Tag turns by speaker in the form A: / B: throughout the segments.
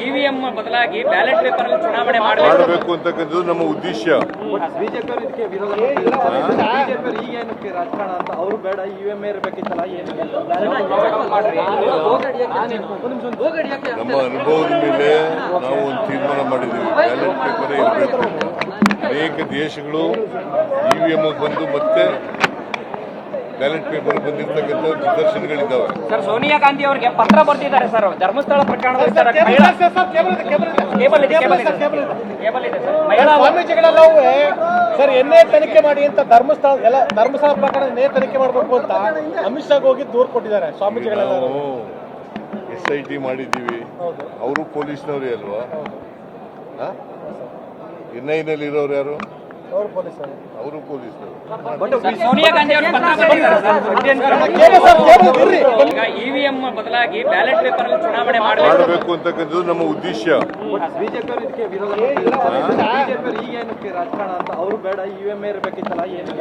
A: EVM ಬದಲಾಗಿ ballot paper ಅಲ್ಲಿ ಚುನಾವಣೆ
B: ಮಾಡಬೇಕು ಅಂತಕ್ಕಂಥದ್ದು ನಮ್ಮ ಉದ್ದೇಶ.
C: ಬಿಜೆಪಿ ಇದಕ್ಕೆ ವಿರೋಧ ಬಿಜೆಪಿ ಈಗ ಏನಕ್ಕೆ ರಾಜಕಾರಣ ಅಂತ ಅವರು ಬೇಡ ಇವಿಎಂ ಇರಬೇಕಿತ್ತಲ್ಲ
B: ನಮ್ಮ ಅನುಭವದ ಮೇಲೆ ನಾವು ಒಂದು ತೀರ್ಮಾನ ಮಾಡಿದ್ದೀವಿ, ಬ್ಯಾಲೆಟ್ ಪೇಪರ್ ಇರಬೇಕು. ಅನೇಕ ದೇಶಗಳು ಇವಿಎಂ ಬಂದು ಮತ್ತೆ ಬ್ಯಾಲೆಟ್ ಪೇಪರ್ ಬಂದಿರ್ತಕ್ಕಂಥ ನಿದರ್ಶನಗಳಿದ್ದಾವೆ.
A: ಸರ್, ಸೋನಿಯಾ ಗಾಂಧಿ ಅವರಿಗೆ ಪತ್ರ ಬರ್ತಿದ್ದಾರೆ ಸರ್, ಧರ್ಮಸ್ಥಳ ಪ್ರಕರಣದಲ್ಲಿ
C: ಸ್ವಾಮೀಜಿಗಳೆಲ್ಲವೂ ಸರ್ ಎನ್ನೇ ತನಿಖೆ ಮಾಡಿ ಅಂತ ಧರ್ಮಸ್ಥಳ ಪ್ರಕರಣ ಎನ್ನೇ ತನಿಖೆ ಮಾಡಬೇಕು ಅಂತ ಅಮಿತ್ ಶಾಗ್ ಹೋಗಿ ದೂರು ಕೊಟ್ಟಿದ್ದಾರೆ ಸ್ವಾಮೀಜಿಗಳೆಲ್ಲ.
B: ನಾವು SIT ಮಾಡಿದ್ದೀವಿ, ಅವರು ಪೊಲೀಸ್ನವರೇ ಅಲ್ವಾ? NIನಲ್ಲಿ ಇರೋರು ಯಾರು? ಅವರು ಪೊಲೀಸರು.
A: ಸೋನಿಯಾ ಗಾಂಧಿ ಅವರು ಇವಿಎಂ ಬದಲಾಗಿ ಬ್ಯಾಲೆಟ್ ಪೇಪರ್ ಅಲ್ಲಿ ಚುನಾವಣೆ
B: ಮಾಡಬೇಕು ಅಂತಕ್ಕಂಥದ್ದು ನಮ್ಮ ಉದ್ದೇಶ.
C: ಬಿಜೆಪಿ ಇದಕ್ಕೆ ವಿರೋಧ ಬಿಜೆಪಿ ಈಗ ಏನಕ್ಕೆ ರಾಜಕಾರಣ ಅಂತ ಅವರು ಬೇಡ ಇವಿಎಂ ಇರಬೇಕಿತ್ತಲ್ಲ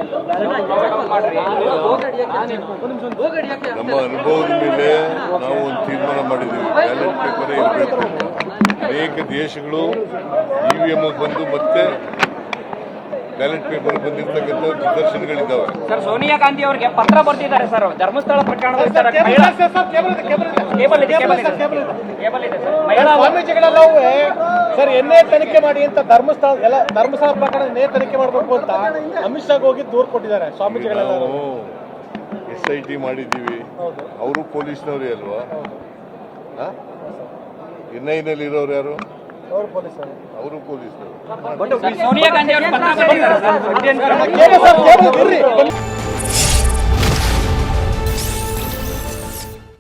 B: ನಮ್ಮ ಅನುಭವದ ಮೇಲೆ ನಾವು ಒಂದು ತೀರ್ಮಾನ ಮಾಡಿದ್ದೀವಿ, ಬ್ಯಾಲೆಟ್ ಪೇಪರ್ ಇರಬೇಕು. ಅನೇಕ ದೇಶಗಳು ಇವಿಎಂ ಬಂದು ಮತ್ತೆ ಬ್ಯಾಲೆಟ್ ಪೇಪರ್ ಬಂದಿರ್ತಕ್ಕಂಥ ನಿದರ್ಶನಗಳಿದ್ದಾವೆ.
A: ಸರ್, ಸೋನಿಯಾ ಗಾಂಧಿ ಅವರಿಗೆ ಪತ್ರ ಬರ್ತಿದ್ದಾರೆ ಸರ್, ಧರ್ಮಸ್ಥಳ ಪ್ರಕರಣದಲ್ಲಿ
C: ಸ್ವಾಮೀಜಿಗಳೆಲ್ಲವೂ ಸರ್ ಎನ್ನೇ ತನಿಖೆ ಮಾಡಿ ಅಂತ ಧರ್ಮಸ್ಥಳ ಪ್ರಕರಣ ಎನ್ನೇ ತನಿಖೆ ಮಾಡಬೇಕು ಅಂತ ಅಮಿತ್ ಶಾಗ್ ಹೋಗಿ ದೂರು ಕೊಟ್ಟಿದ್ದಾರೆ ಸ್ವಾಮೀಜಿಗಳೆಲ್ಲ.
B: ನಾವು SIT ಮಾಡಿದ್ದೀವಿ, ಅವರು ಪೊಲೀಸ್ನವರೇ ಅಲ್ವಾ? NIನಲ್ಲಿ ಇರೋರು ಯಾರು? ಅವರು ಪೊಲೀಸರು.
A: ಸೋನಿಯಾ ಗಾಂಧಿ ಅವರು